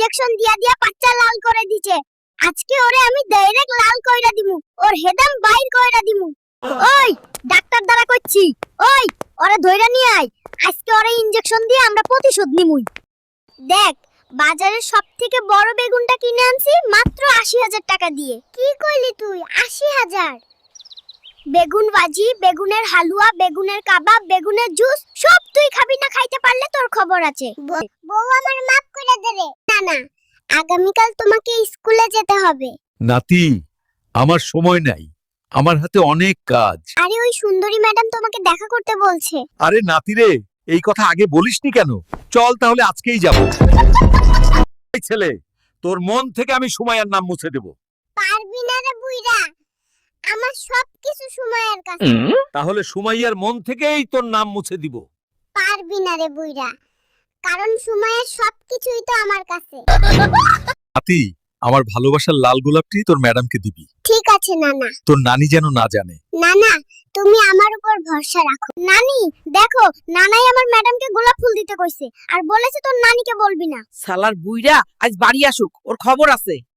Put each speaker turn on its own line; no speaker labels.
Injection দিয়া দিয়া পাচ্চা লাল করে দিছে। আজকে ওরে আমি ডাইরেক্ট লাল কইরা দিমু, ওর হেদাম বাইর কইরা দিমু। ওই ডাক্তার দ্বারা কইছি, ওই ওরে ধইরা নিয়ে আয়। আজকে ওরে ইনজেকশন দিয়ে আমরা প্রতিশোধ নিমুই। দেখ, বাজারের সবথেকে বড় বেগুনটা কিনে আনছি মাত্র ৮০,০০০ টাকা দিয়ে। কি কইলি তুই? ৮০,০০০? বেগুন ভাজি, বেগুনের হালুয়া, বেগুনের কাবাব, বেগুনের জুস সব তুই খাবি না? খাইতে পারলে তোর খবর আছে। বউ আমার মাফ করে দে রে। না না, আগামীকাল তোমাকে স্কুলে যেতে হবে।
নাতি, আমার সময় নাই, আমার হাতে অনেক কাজ।
আরে ওই সুন্দরী ম্যাডাম তোমাকে দেখা করতে বলছে।
আরে নাতি রে, এই কথা আগে বলিসনি কেন? চল তাহলে আজকেই যাব। এই ছেলে, তোর মন থেকে আমি সুমাইয়ার নাম মুছে দেব।
পারবি না রে বুইড়া, আমার সবকিছু সময়ের কাছে।
তাহলে সুমাইয়ার মন থেকেই তোর নাম মুছে দিব।
পারবি না রে বুইড়া, কারণ সময়ের সবকিছুই তো আমার কাছে।
নাতি, আমার ভালোবাসার লাল গোলাপটি তোর ম্যাডামকে দিবি।
ঠিক আছে নানা।
তোর নানি যেন না জানে।
নানা, তুমি আমার উপর ভরসা রাখো। নানি, দেখো, নানাই আমার ম্যাডামকে গোলাপ ফুল দিতে কইছে আর বলেছে তোর নানিকে বলবি না।
সালার বুইড়া আজ বাড়ি আসুক, ওর খবর আছে।